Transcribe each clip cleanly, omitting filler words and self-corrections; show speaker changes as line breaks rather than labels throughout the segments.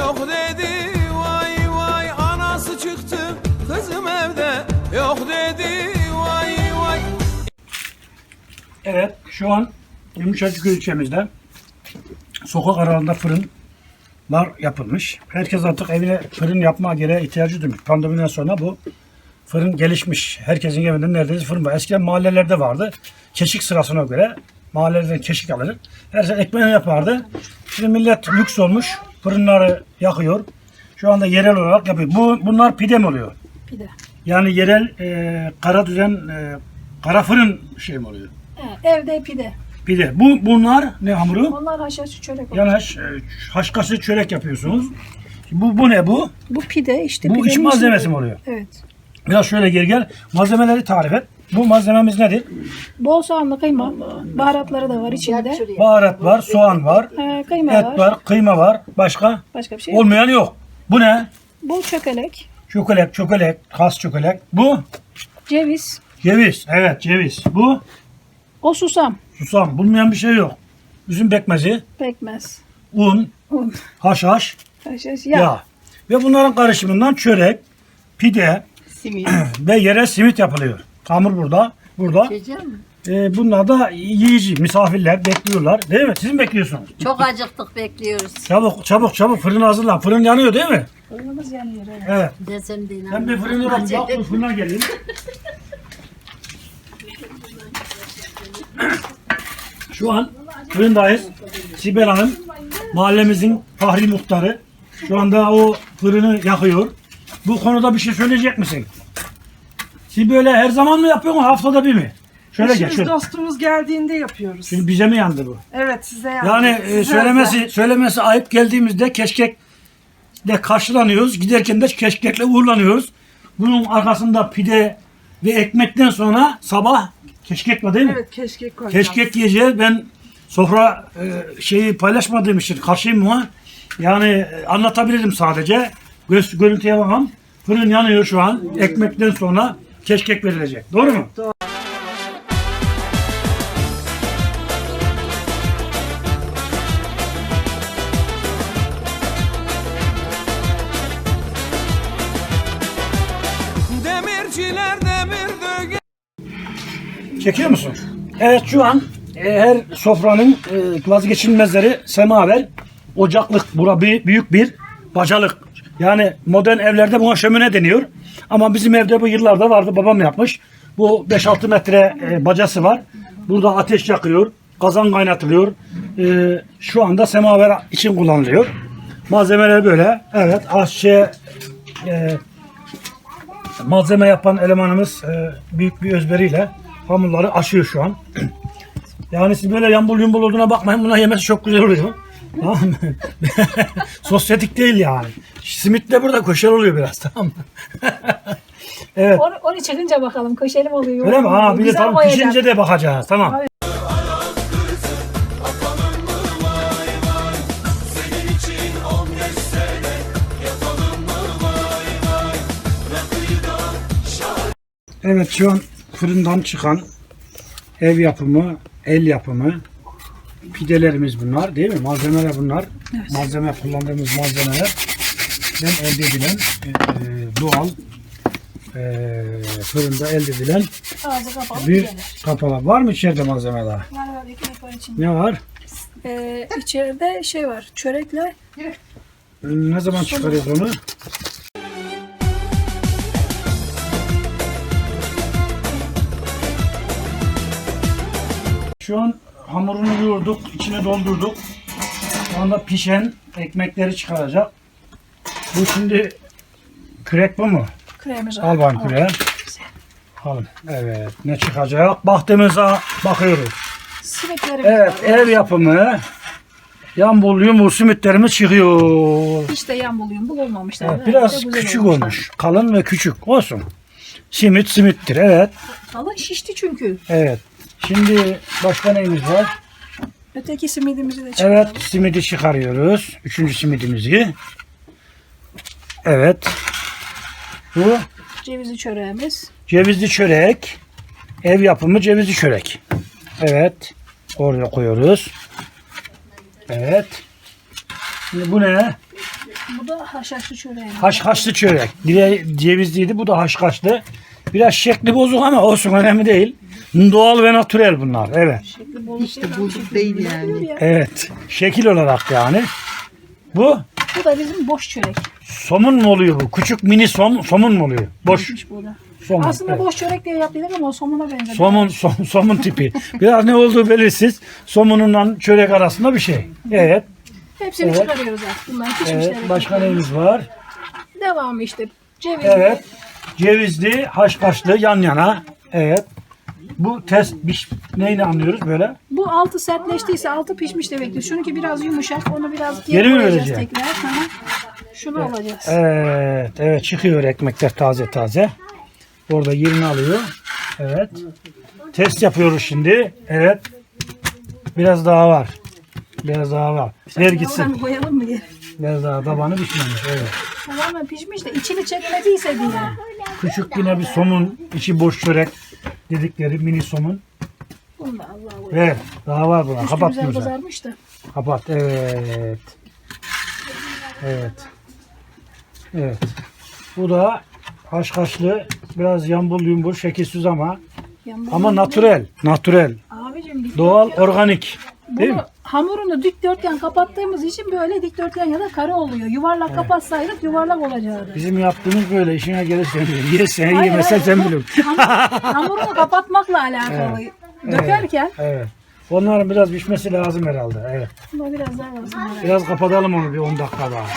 yok dedi. Vay vay anası çıktı kızım evde yok dedi. Vay vay.
Evet, şu an Yumuşacık ilçemizde sokak aralarında fırınlar yapılmış. Herkes artık evine fırın yapma gereği ihtiyacı duymuş. Pandemiden sonra bu fırın gelişmiş. Herkesin evinde neredeyse fırın var. Eskiden mahallelerde vardı. Keşik sırasına göre mahallelerden keşik alır. Herkes ekmeğini yapardı. Şimdi millet lüks olmuş. Fırınları yakıyor. Şu anda yerel olarak yapıyor. Bunlar pide mi oluyor?
Pide.
Yani yerel kara düzen kara fırın şey mi oluyor?
Evde pide.
Pide. Bunlar ne hamuru?
Onlar haşhaşlı çörek olur.
Yani haşhaşlı çörek yapıyorsunuz. Bu ne bu?
Bu pide işte.
Bu
pidenin
iç malzemesi
içinde-
mi oluyor?
Evet.
Biraz şöyle gel. Malzemeleri tarif et. Bu malzememiz nedir?
Bol soğanlı kıyma. Baharatları da var içinde.
Baharat var, soğan var,
Kıyma
et
var.
var, kıyma var. Başka?
Başka bir şey yok.
Olmayan yok. Bu ne?
Bol çökelek.
Çökelek, has çökelek. Bu?
Ceviz.
Ceviz. Evet, ceviz. Bu?
O susam.
Susam. Bulmayan bir şey yok. Üzüm pekmezi,
Pekmez.
un,
Un.
haşhaş,
Haşhaş.
yağ. Ve bunların karışımından çörek, pide ve yerel simit yapılıyor. Hamur burada. Bunlar da yiyici, misafirler bekliyorlar. Değil mi? Siz mi bekliyorsunuz?
Çok acıktık, bekliyoruz.
Çabuk fırını hazırlan. Fırın yanıyor değil mi?
Fırınımız yanıyor. Evet.
Evet.
Desem de
Ben
inanmam.
bir fırına bakayım. Bak, fırına geleyim. Şu an fırındayız. Sibel Hanım mahallemizin fahri muhtarı. Şu anda o fırını yakıyor. Bu konuda bir şey söyleyecek misin? Siz böyle her zaman mı yapıyorsun, haftada bir mi? Şöyle gel.
Eşimiz,
Şöyle.
dostumuz geldiğinde yapıyoruz.
Şimdi bize mi yandı bu?
Evet, size yandı.
Yani
Size
söylemesi ayıp, geldiğimizde keşkekle karşılanıyoruz. Giderken de keşkekle uğurlanıyoruz. Bunun arkasında pide ve ekmekten sonra sabah keşkek var değil mi?
Evet, keşkek koyacağız.
Keşkek yiyeceğiz. Ben sofra şeyi paylaşmadığım için karşıyım ama yani anlatabilirim sadece. Görüntüye bakalım. Fırın yanıyor şu an. Ekmekten sonra keşkek verilecek. Doğru mu?
Doğru.
Demirciler demir döge.
Çekiyor musun? Evet, şu an her sofranın vazgeçilmezleri semaver, ocaklık. Bura büyük bir bacalık. Yani modern evlerde buna şömine deniyor. Ama bizim evde bu yıllarda vardı. Babam yapmış. Bu 5-6 metre bacası var. Burada ateş yakıyor. Kazan kaynatılıyor. Şu anda semaver için kullanılıyor. Malzemeler böyle. Evet, aşçı malzeme yapan elemanımız büyük bir özveriyle hamurları aşıyor şu an. Yani siz böyle yambul yumbul olduğuna bakmayın. Bunlar yemesi çok güzel oluyor. Tamam mı? Sosyetik değil yani. Simit de burada koşar oluyor biraz, tamam mı? Evet.
Onu çıkınca bakalım. Köşeli mi oluyor?
Öyle mi? Ha, bir de
Güzel
tam
boyayacağım.
pişince de bakacağız. Tamam.
Abi.
Evet, şu an fırından çıkan ev yapımı, el yapımı pidelerimiz bunlar değil mi? Malzemeler bunlar.
Evet.
Malzeme, kullandığımız malzemeler elde edilen doğal fırında elde edilen
Ağzı kapalı
bir
gelir.
kapalı. Var mı içeride malzemeler?
Var ekmek var içinde.
Ne var?
İçeride şey var. Çörekle.
Ne zaman çıkarıyoruz onu? Şu an hamurunu yoğurduk, içine doldurduk. Şu anda pişen ekmekleri çıkaracak. Bu şimdi kürek bu mu?
Kremimiz var.
Al bakayım küreği. Al. Evet, ne çıkacak? Baktığımıza bakıyoruz.
Simitlerimiz
Evet,
var.
ev yapımı yambul yumul simitlerimiz çıkıyor.
Hiç de yambuluyum. Bu olmamışlar.
Evet, biraz küçük olmuş. Kalın ve küçük. Olsun. Simittir. Evet.
Kalın şişti çünkü.
Evet. Şimdi başka neyimiz var?
Öteki simidimizi de çıkaralım.
Evet, simidi çıkarıyoruz. Üçüncü simidimizi. Evet. Bu
Cevizli çöreğimiz.
cevizli çörek. Ev yapımı cevizli çörek. Evet. Oraya koyuyoruz. Evet. Şimdi bu ne?
Bu da haşhaşlı çöreği.
Haşhaşlı çörek. Biri cevizliydi, bu da haşhaşlı. Biraz şekli bozuk ama olsun, önemli değil. Doğal ve natürel bunlar. Evet.
İşte
bozuk değil yani.
Evet. Şekil olarak yani. Bu
Bu da bizim boş çörek.
somun mu oluyor bu? Küçük mini somun mu oluyor? Boş
Bu da.
somun.
Aslında
Evet.
boş çörek diye yapıyorduk ama o somuna benziyor.
Somun tipi. Biraz ne olduğu belirsiz. Somununla çörek arasında bir şey. Evet.
Hepsini
Evet.
çıkarıyoruz artık. Bunlar pişmişleri.
Evet. Başka neyimiz var?
Devamı işte. Ceviz.
Evet. Cevizli, haşhaşlı yan yana. Evet. Bu test neyle anlıyoruz böyle?
Bu altı sertleştiyse altı pişmiş demektir. Şununki biraz yumuşak. Onu biraz
Geri mi
koyacağız
vereceğim?
tekrar. Sonra şunu alacağız.
Evet. Evet, çıkıyor ekmekler taze taze. Orada yerini alıyor. Evet. Test yapıyoruz şimdi. Evet. Biraz daha var. Biraz daha var. Ver gitsin.
Oradan koyalım mı geri?
Biraz daha tabanı pişmemiş. Evet.
Tamamen pişmiş de içini çekmediyse diye.
Küçük yine bir somun, içi boş çörek dedikleri mini somun.
Bunu da Allah'a koyalım.
Ver. Daha var buna.
Üstü
Kapat
güzel
güzel.
kızarmış da.
Kapat. Evet. Evet. Evet. Bu da haşhaşlı, biraz yambul yumbul, şekilsiz ama natürel. Natürel.
Abicim
Doğal, organik. Değil mi?
bunu hamurunu dikdörtgen kapattığımız için böyle dikdörtgen ya da kare oluyor. Yuvarlak kapatsaydık yuvarlak olacaktı.
Bizim yaptığımız böyle, işine gelirsen bilir. Yersen
Hayır,
yemesen
hayır.
sen bilirsin.
Hamurunu kapatmakla alakalı. Dökerken
Evet. Onların biraz pişmesi lazım herhalde. Evet.
buna biraz daha lazım.
Biraz kapatalım onu bir 10 dakika daha.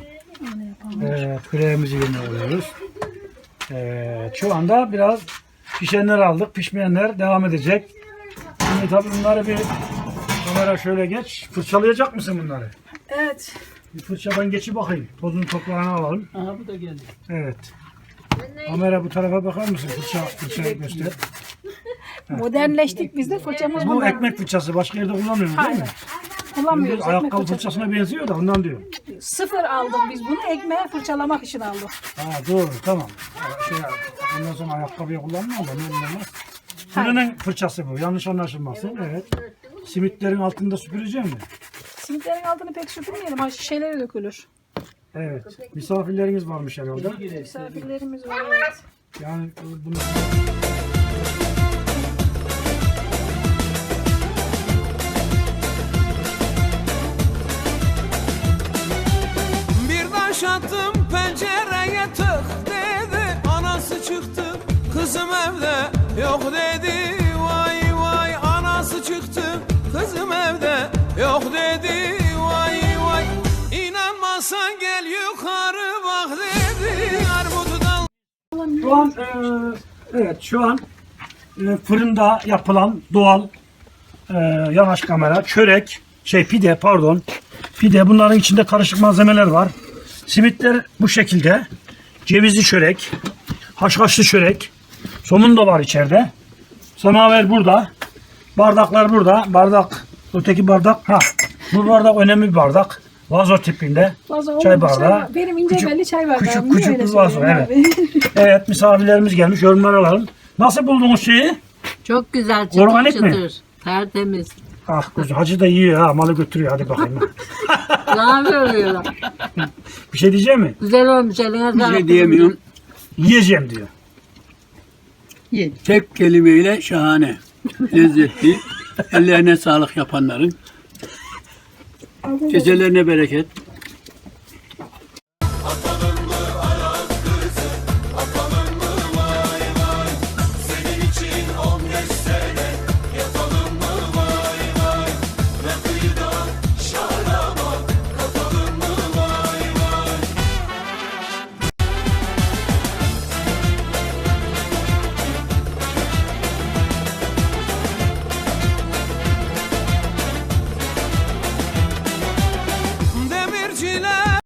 Evet, küreğimizi yeniyoruz. Evet, şu anda biraz pişenler aldık. Pişmeyenler devam edecek. Şimdi tabii bunları bir kamera şöyle geç. Fırçalayacak mısın bunları?
Evet.
Bir fırçadan geçip bakayım. Tozunu toprağını alalım.
Aha bu da geldi.
Evet. Kamera bu tarafa bakar mısın? Fırçayı göster.
Modernleştik biz de fırçamız
Bu
bundan.
ekmek fırçası. Başka yerde kullanmıyoruz değil mi?
Kullanmıyoruz ekmek
Ayakkabı
fırçası.
fırçasına benziyor da ondan diyorum.
Sıfır aldık biz bunu ekmeğe fırçalamak için aldık.
Ha, doğru, tamam. Ondan sonra ayakkabıya kullanmıyor da ne olmaz. Fırının fırçası bu. Yanlış anlaşılmasın. Evet. Simitlerin altında süpüreceğim mi?
Simitlerin altını pek süpürmeyelim. Ha şişelere dökülür.
Evet. Misafirleriniz varmış herhalde.
Misafirlerimiz var. Evet.
Yani bunu...
Bir taş attım pencereye tık dedi. Anası çıktı kızım evde yok dedi. Vay vay anası çıktı kızım evde yok dedi. Vay vay inanmazsan gel yukarı bak dedi. Armudu dal.
Şu an evet, şu an fırında yapılan doğal yanaş kamera, çörek, pide pardon. Pide, bunların içinde karışık malzemeler var. Simitler bu şekilde. Cevizli çörek, haşhaşlı çörek, somun da var içeride. Semaver burada. Bardaklar burada. Bardak, öteki bardak. Ha, bu bardak önemli bir bardak. Vazo tipinde.
Vazo
Çay
olmadı,
bardağı.
Benim ince belli çay bardağı.
Küçük
Niye
küçük
öyle
bir vazo.
söylüyorsun
Evet.
abi?
Evet, misafirlerimiz gelmiş. Yorumlar alalım. Nasıl buldunuz şeyi?
Çok güzel çıtır
Organik mi?
çıtır. Tertemiz.
Ah kuzu, hacı da yiyor ha, malı götürüyor, hadi bakayım.
Ne yapıyorlar?
Bir şey diyecek mi?
Güzel olmuş eline
Bir
sağlık.
şey diyemiyorum.
Yiyeceğim diyor.
Tek kelimeyle şahane. Lezzetli. Ellerine sağlık yapanların. Keselerine bereket.